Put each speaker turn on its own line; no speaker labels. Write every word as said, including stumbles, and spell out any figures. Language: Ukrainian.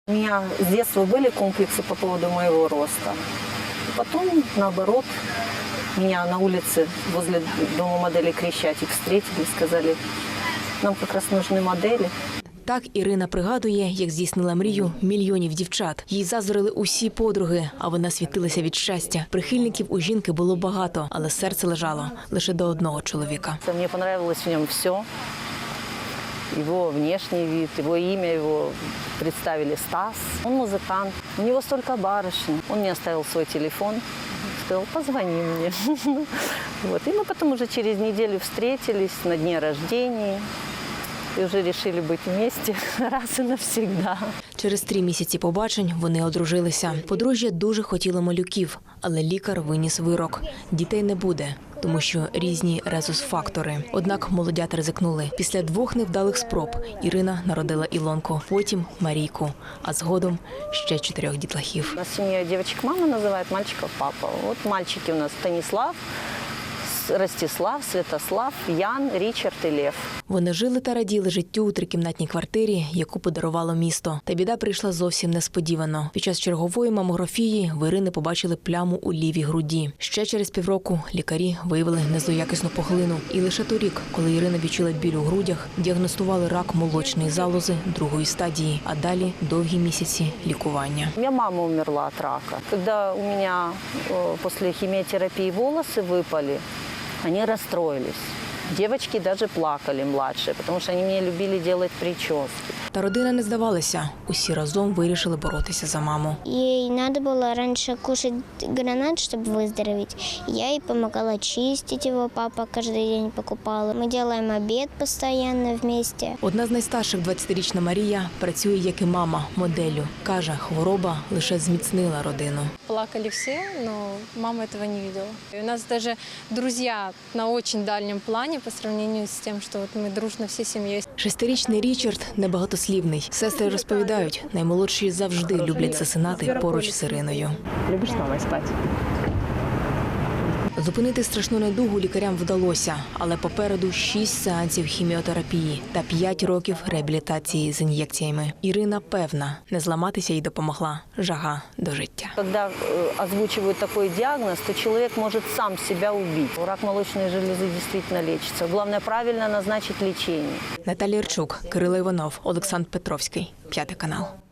У меня с детства были комплексы по поводу моего роста. Потом, наоборот, меня на улице возле дома моделей Крещатик встретили, сказали, нам как раз нужны модели.
Так Ірина пригадує, як здійснила мрію мільйонів дівчат. Їй заздрили усі подруги, а вона світилася від щастя. Прихильників у жінки було багато, але серце лежало лише до одного чоловіка.
Мені понравилось в ньому все. Его внешний вид, его имя, его представили Стас. Он музыкант, у него столько барышень. Он мне оставил свой телефон, сказал, позвони мне. Вот. И мы потом уже через неделю встретились на дне рождения. І вже вирішили бути вместе раз і навсегда.
Через три місяці побачень вони одружилися. Подружжя дуже хотіло малюків, але лікар виніс вирок. Дітей не буде, тому що різні резус-фактори. Однак молодята ризикнули. Після двох невдалих спроб Ірина народила Ілонку, потім Марійку, а згодом ще чотирьох дітлахів.
У нас сім'я дівчинок мама називає, мальчиків папа. От мальчики у нас Станіслав, Ростислав, Святослав, Ян, Річард і Лев.
Вони жили та раділи життю у трикімнатній квартирі, яку подарувало місто. Та біда прийшла зовсім несподівано. Під час чергової мамографії в Ірини побачили пляму у лівій груді. Ще через півроку лікарі виявили незоякісну пухлину. І лише торік, коли Ірина відчула біль у грудях, діагностували рак молочної залози другої стадії, а далі довгі місяці лікування.
У мене мама умерла від рака. Коли у мене після хіміотерапії волоси випали, они расстроились. Девочки даже плакали младшие, потому что они мне любили делать прически.
Та родина не здавалася. Усі разом вирішили боротися за маму.
Ей надо было раньше кушать гранат, чтобы выздороветь. Я ей помогала чистить его, папа каждый день покупал. Мы делаем обед постоянно вместе.
Одна з найстарших, двадцятирічна Марія, працює як і мама, моделлю. Каже, хвороба лише зміцнила родину.
Плакали все, но мама этого не видела. И у нас даже друзья на очень дальнем плане по сравнению с тем, что вот мы дружно всей семьей.
Шестирічний Річард небагатослівний. Сестри розповідають, наймолодші завжди люблять засинати поруч з Іриною.
Любиш з мамою спати?
Зупинити страшну недугу лікарям вдалося, але попереду шість сеансів хіміотерапії та п'ять років реабілітації з ін'єкціями. Ірина певна, не зламатися їй допомогла жага до життя.
Коли озвучують такий діагноз, то чоловік може сам себе вбити. Рак молочної желези дійсно лечиться. Головне правильно назначити лікування.
Наталія Ірчук, Кирило Іванов, Олександр Петровський. П'ятий канал.